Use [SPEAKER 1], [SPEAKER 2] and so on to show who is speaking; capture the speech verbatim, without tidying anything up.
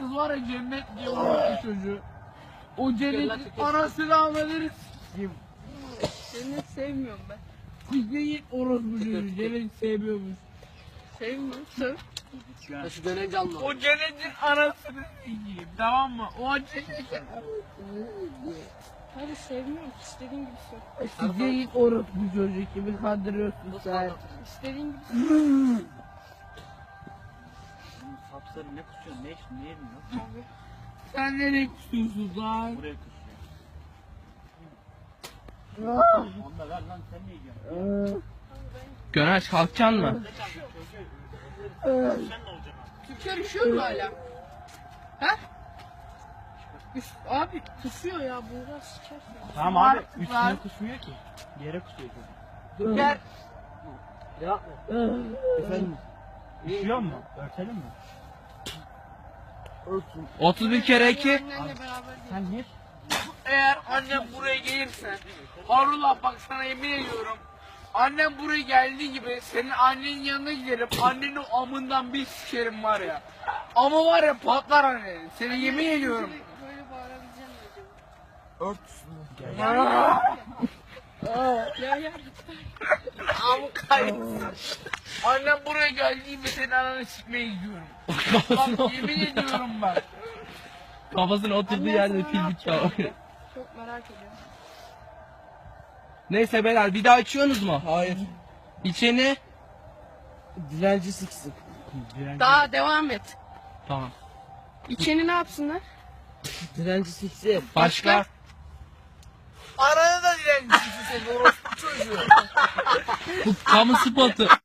[SPEAKER 1] Kız var ya cennet diye orospu çocuğu. O cennetin anasını almadınız. Kim?
[SPEAKER 2] Cennet sevmiyorum ben.
[SPEAKER 1] Kuzey'in orospu çocuğu. Cennet sevmiyormuş.
[SPEAKER 2] Sevmiyorum. Sev.
[SPEAKER 3] Ya şu dönence alma.
[SPEAKER 1] O cennetin anasını sikeyim, tamam mı? O cennetin...
[SPEAKER 2] Hadi sevmiyorum. İstediğin gibi sev.
[SPEAKER 1] Kuzey'in orospu çocuğu kimi kandırıyorsun sen?
[SPEAKER 2] İstediğin gibi sev.
[SPEAKER 3] Sapsarı ne kusuyorsun? Ne içtin? Ne yedin lan?
[SPEAKER 2] Abi.
[SPEAKER 1] Sen nereye kusuyorsun lan?
[SPEAKER 3] Buraya kusuyor.
[SPEAKER 1] Ah!
[SPEAKER 3] Onu da ver lan, sen ne yiyorsun?
[SPEAKER 4] Gönaç kalkacaksın mı?
[SPEAKER 3] Sen ne olacaksın?
[SPEAKER 2] Türkler üşüyor mu hala? He? Üf, abi kusuyor ya. Bunlar sikersin.
[SPEAKER 3] Tamam
[SPEAKER 1] Var,
[SPEAKER 3] abi, üstüne
[SPEAKER 1] var.
[SPEAKER 3] kusmuyor ki. Yere kusuyor çocuk.
[SPEAKER 1] Dur gel.
[SPEAKER 3] Yapma. Efendim? Üşüyor mu? Örtelim mi? Örtün.
[SPEAKER 4] otuz bir kere iki.
[SPEAKER 2] Annenle beraber değil.
[SPEAKER 3] Sen gir.
[SPEAKER 1] Eğer annem buraya gelirse, Harullah bak sana yemin ediyorum. Annem buraya geldiği gibi senin annenin yanına giderim, annenin o amından bir sikerim var ya. Ama var ya patlar anne. Seni yemin ediyorum.
[SPEAKER 2] Böyle bağırabileceğim mi acaba?
[SPEAKER 1] Ört üstüne.
[SPEAKER 2] Ya ya.
[SPEAKER 1] Ama kaybetsin. Annem buraya geldiği gibi senin ananı sikmeye gidiyorum. Bak yemin ediyorum bak.
[SPEAKER 4] Kafasına oturduğu
[SPEAKER 2] Annen
[SPEAKER 4] yerde
[SPEAKER 2] sana
[SPEAKER 4] fil
[SPEAKER 2] ne
[SPEAKER 4] bit
[SPEAKER 2] yapacak?
[SPEAKER 4] çalıyor.
[SPEAKER 2] Çok merak ediyorum.
[SPEAKER 4] Neyse beyler bir daha içiyorsunuz mu?
[SPEAKER 3] Hayır.
[SPEAKER 4] İçeni.
[SPEAKER 3] Dilenci siksin.
[SPEAKER 2] Daha devam et.
[SPEAKER 4] Tamam.
[SPEAKER 2] İçeni ne yapsınlar?
[SPEAKER 3] Dilenci siksin.
[SPEAKER 4] Başka?
[SPEAKER 1] Ananı da dilencisi senin orospu çocuğu.
[SPEAKER 4] Bu kamu spotu.